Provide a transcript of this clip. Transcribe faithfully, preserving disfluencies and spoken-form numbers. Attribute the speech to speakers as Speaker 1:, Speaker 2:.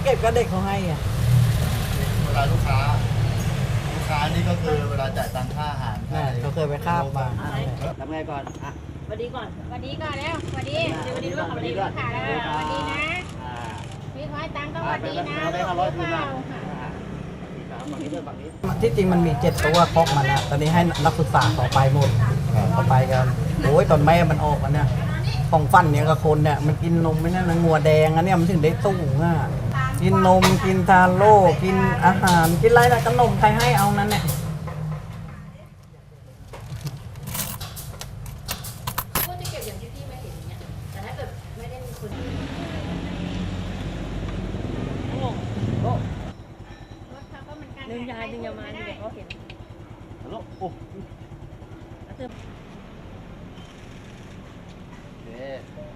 Speaker 1: เก็บก็เด็กเขาให้อ่ะ
Speaker 2: เวลาลูกค้าลูกค้านี่ก็คือเวลาจ่ายตังค่าอาหาร
Speaker 1: เขาเคยไปคาบมา
Speaker 3: ทำไงก่อนอ่ะสวัสดีก่อน
Speaker 4: สวัสดีก่อนแล้วสวัสดีสวัสดีด้วยสวัสดีด้วยค่ะสวัสดีนะพี่ขอให้ตังค์ก็สวัสดีนะลูกเปล่า
Speaker 1: ที่จริงมันมีเจ็ดตัวครกมันนะตอนนี้ให้นักศึกษาต่อไปหมดต่อไปกันโอ้ยตอนแม่มันออกมันเนี่ยของฟันเนี่ยกับคนเนี่ยมันกินนมไม่นั่นงัวแดงอันนี้มันถึงได้ตู้ง่ะกินนมกินทาโร่กินอาหารกินอะไรนะขนมใครให้เอานั้นเนี่ย
Speaker 4: ก็จะเก็บอย่างที่พี่ไม่เห็นเนี่ยแต่ถ้าเกิดไม่ได้มีคนดึงยายดึงยามาเดี๋ยวเขาเห็น
Speaker 2: ฮัลโหลโอ้โอเค